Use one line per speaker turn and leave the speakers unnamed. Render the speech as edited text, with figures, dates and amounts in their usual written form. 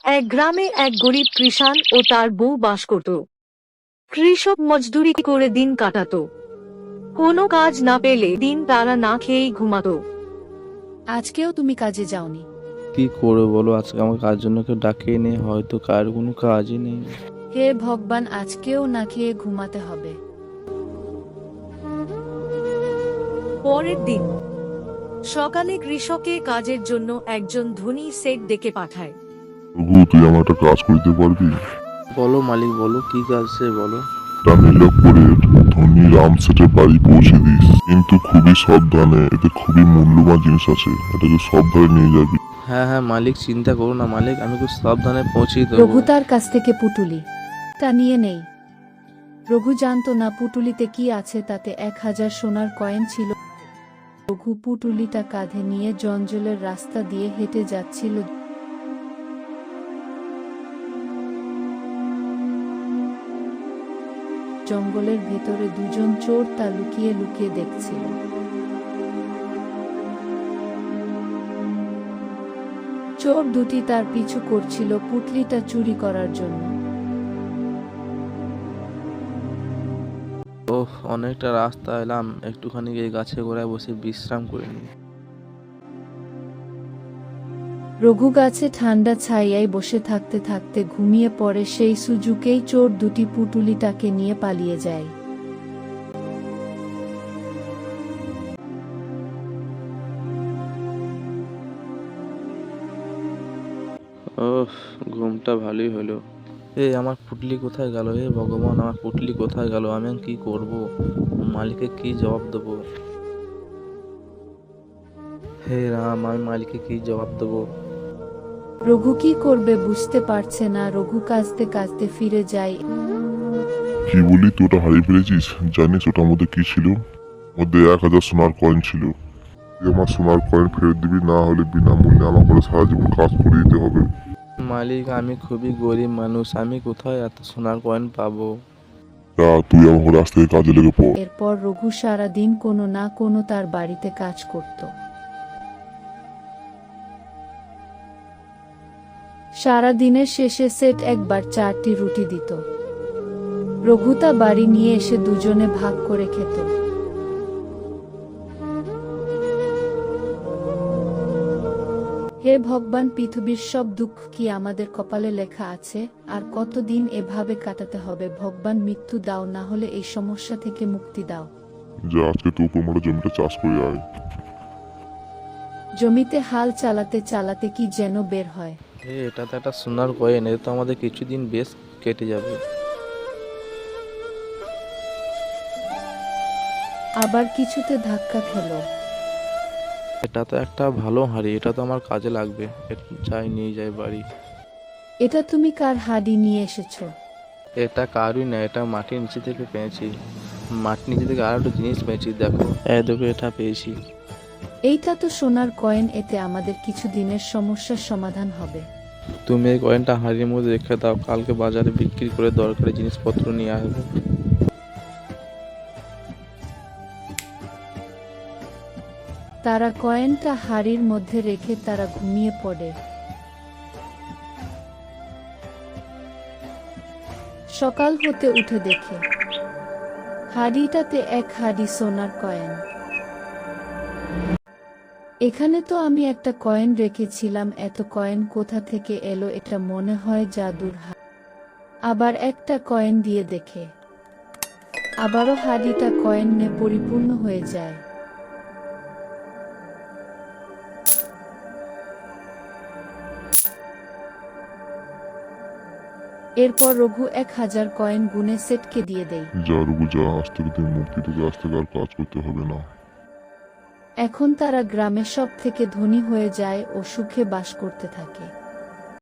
এক গ্রামে এক গরিব কৃষাণ ও তার বউ বাস করত। কৃষক মজদুরি করে দিন কাটাতো। কোনো কাজ না পেলে দিন তারা না খেয়েই ঘুমাতো।
আজকেও তুমি কাজে যাওনি?
কি করে বলো, আজকে আমার কাজ জন্য কেউ ডাকেই নেই, হয়তো কার কোনো কাজই নেই।
হে ভগবান, আজকেও না খেয়ে ঘুমাতে হবে।
পরের দিন সকালে কৃষকে কাজের জন্য একজন ধনী সেট ডেকে পাঠায়।
রঘু, তুই আমার একটা কাজ করতে পারবি?
বলো মালিক, বলো কি কাজ সে বলো।
নীলাপুরের ধনী রাম সেটের বাড়ি পৌঁছে দিস, কিন্তু খুবই সাবধানে, এতে খুবই মূল্যবান জিনিস আছে, এটাকে সাবধানে নিয়ে যাবি।
হ্যাঁ হ্যাঁ মালিক, চিন্তা করো না মালিক, আমি খুব সাবধানে পৌঁছে দেবো।
রঘু তার কাছ থেকে পুটুলি তা নিয়ে নেই। রঘু জানতো না পুটুলিতে কি আছে, তাতে 1000 সোনার কয়েন ছিল। রঘু পুটুলিটা কাঁধে নিয়ে জঞ্জলের রাস্তা দিয়ে হেঁটে যাচ্ছিল। জঙ্গলের ভেতরে দুজন চোর তা লুকিয়ে লুকিয়ে দেখছিল। চোর দুটি তার পিছু করছিল পুটলিটা চুরি করার জন্য।
ওহ, অনেকটা রাস্তা এলাম, একটুখানি এই গাছে গোড়ায় বসে বিশ্রাম করে নিই।
রঘু গাছে ঠান্ডা ছায়ায় বসে থাকতে থাকতে ঘুমিয়ে পড়ে। সেই সুযোগেই চোর দুটি পুটুলিটাকে নিয়ে পালিয়ে যায়।
ওহ, ঘুমটা ভালোই হলো। আমার পুটলি কোথায় গেল? ভগবান, আমার পুটলি কোথায় গেল? আমি এখন কি করব? মালিককে কি জবাব দেবো? হে রাম, আমি মালিককে কি জবাব দেবো?
রঘু কি করবে বুঝতে পারছে না। রঘু কাঁদতে কাঁদতে ফিরে যায়।
কি বলি, তুই ওটা হারিয়ে ফেলেছিস? জানিস ওটার মধ্যে কি ছিল? মধ্যে 1000 সোনার কয়েন ছিল। তুই আমার সোনার কয়েন ফেরত দিবি, না হলে বিনামূল্যে আমার করে সারা জীবন কাজ করে দিতে হবে।
মালিক, আমি খুবই গরিব মানুষ, আমি কোথায় এত সোনার কয়েন পাবো?
তা তুই আমার ঘরে আজ থেকে কাজে লেগে পড়।
এরপর রঘু সারা দিন কোনো না কোনো তার বাড়িতে কাজ করত। সারা দিনের শেষে সেট একবার 4টি রুটি দিত। রঘু তা বাড়ি নিয়ে এসে দুজনে ভাগ করে খেত। হে ভগবান, পৃথিবীর সব দুঃখ কি আমাদের কপালে লেখা আছে? আর কতদিন এভাবে কাটাতে হবে? ভগবান, মৃত্যু দাও, না হলে এই সমস্যা থেকে মুক্তি দাও।
যা, আজকে তুই উপর জমিটা চাষ করে আয়।
জমিতে হাল চালাতে চালাতে কি যেন বের হয়।
এটা তো একটা সোনার কয়েন, এটা তো আমাদের কিছুদিন বেশ কেটে যাবে।
আবার কিছুতে ধাক্কা খেলো।
এটা তো একটা ভালো হাঁড়ি, এটা তো আমার কাজে লাগবে। যাই, নিয়ে যাই বাড়ি।
এটা তুমি কার হাড়ি নিয়ে এসেছো?
এটা কারুই না, এটা মাটির নিচে থেকে পেয়েছি। মাটির নিচে থেকে আর একটা জিনিস পেয়েছি, দেখো। দেখো, এটা পেয়েছি।
এইটা তো সোনার কয়েন, এতে আমাদের কিছু দিনের সমস্যার সমাধান হবে।
তুমি এই কয়েনটা হাঁড়ির মধ্যে রেখে দাও, কালকে বাজারে বিক্রি করে দরকারি জিনিসপত্র নিয়ে আসবো।
তারা কয়েনটা হাড়ির মধ্যে রেখে তারা ঘুমিয়ে পড়ে। সকাল হতে উঠে দেখে হাড়িটাতে 1 হাড়ি সোনার কয়েন। এখানে তো আমি একটা কয়েন রেখেছিলাম, এত কয়েন কোথা থেকে এলো? এটা মনে হয় জাদুর হাড়ি। আবার একটা কয়েন দিয়ে দেখে, আবারও হাড়িটা কয়েনে পরিপূর্ণ হয়ে যায়। এরপর রঘু 1000 কয়েন গুনে সেটকে দিয়ে দেয়।
যা রঘু যা, আজ থেকে তুই মুক্তি, তোকে আজ থেকে আর কাজ করতে হবে না।
এখন তারা গ্রামে সব থেকে ধনী হয়ে যায় ও সুখে বাস করতে থাকে।